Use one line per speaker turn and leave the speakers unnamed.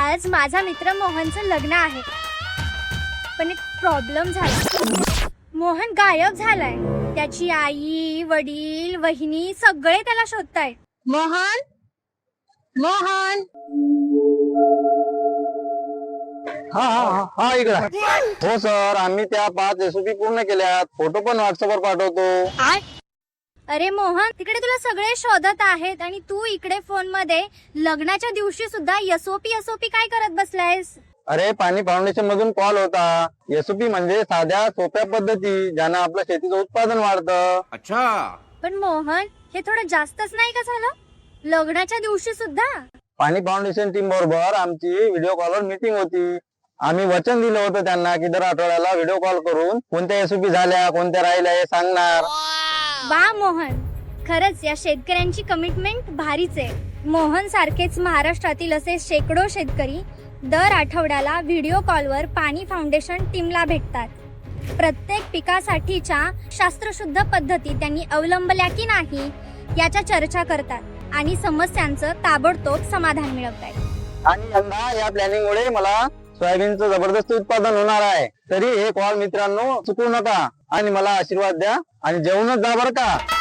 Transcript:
आज माझा मित्र मोहनचं लग्न आहे, पण एक प्रॉब्लेम झाला. मोहन गायब झालाय. त्याची आई, वडील, वहिनी सगळे त्याला शोधतायत.
मोहन मोहन
हा हा हा इकडे. हो सर, आम्ही त्या 5 SOP पूर्ण केल्यात. फोटो पण व्हॉट्सअपवर पाठवतो.
अरे मोहन, तिकडे तुला सगळे शोधत आहेत आणि तू इकडे फोन मध्ये लग्नाच्या दिवशी सुद्धा एसओपी काय करत बसलायस?
अरे, पाणी फाउंडेशन मधून कॉल होता. SOP म्हणजे साध्या सोप्या पद्धती ज्यानं आपलं शेतीचं उत्पादन वाढतं.
अच्छा.
पण मोहन, हे थोडं जास्तच नाही का झालं? लग्नाच्या दिवशी सुद्धा?
पाणी फाउंडेशन टीम बरोबर आमची व्हिडिओ कॉलवर मीटिंग होती. आम्ही वचन दिलं होतं त्यांना की दर आठवड्याला व्हिडिओ कॉल करून कोणत्या SOP झाल्या, कोणत्या राहिल्या हे सांगणार.
वा मोहन, खरंच या शेतकऱ्यांची कमिटमेंट भारीच आहे. मोहन सारखेच महाराष्ट्रातील असे शेकडो शेतकरी दर आठवड्याला व्हिडिओ कॉलवर पाणी फाउंडेशन टीमला भेटतात. प्रत्येक पिकासाठीच्या शास्त्रशुद्ध पद्धती त्यांनी अवलंबल्या की नाही याच्या चर्चा करतात आणि समस्यांचं ताबडतोब समाधान मिळवतात.
आणि यंदा या प्लॅनिंग मुळे मला सोयाबीनचं जबरदस्त उत्पादन होणार आहे. तरी हे कॉल मित्रांनो चुकवू नका आणि मला आशीर्वाद द्या आणि जेवणच जा बरं का.